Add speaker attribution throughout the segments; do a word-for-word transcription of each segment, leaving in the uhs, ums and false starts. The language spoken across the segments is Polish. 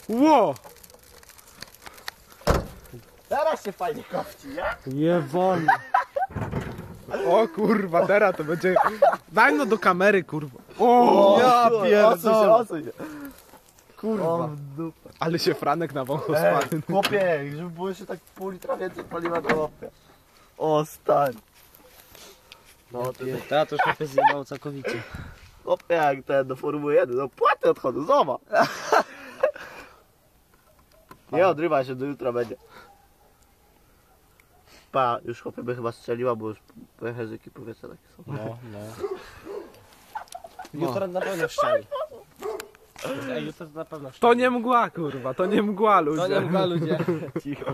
Speaker 1: Ło!
Speaker 2: Teraz się fajnie kopci, nie?
Speaker 1: Nie wolno. O kurwa, teraz to będzie... Daj no do kamery, kurwa. O, ja pierdolę.
Speaker 2: Odsuń się, kurwa. O, dupa.
Speaker 1: Ale się Franek na wącho
Speaker 2: Ej,
Speaker 1: spadł.
Speaker 2: chłopie, żeby było jeszcze tak pół litra więcej paliwa do łapy. O, stań. No to
Speaker 3: Ta to już mnie zjebał całkowicie.
Speaker 2: chłopie, jak ten do Formuły jeden, no płaty odchodzą, zobacz. Nie odrywaj się, do jutra będzie. Pa, już chłopie by chyba strzeliła, bo już pęcherzyki powietrza takie są.
Speaker 3: No, no. Jutro na pewno szczeli. Ej, jutro na pewno szczeli.
Speaker 1: To nie mgła, kurwa, to nie mgła, ludzie.
Speaker 3: To nie mgła, ludzie.
Speaker 2: Cicho.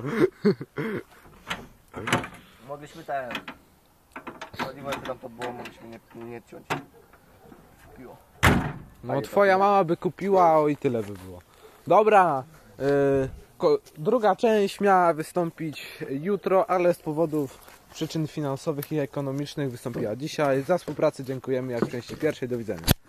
Speaker 2: Mogliśmy ten... Paliwo tam to było, mogliśmy nie, nie ciąć. Piło.
Speaker 1: No twoja mama by kupiła, o i tyle by było. Dobra, y, ko, druga część miała wystąpić jutro, ale z powodów przyczyn finansowych i ekonomicznych wystąpiła dzisiaj. Za współpracę dziękujemy jak w części pierwszej. Do widzenia.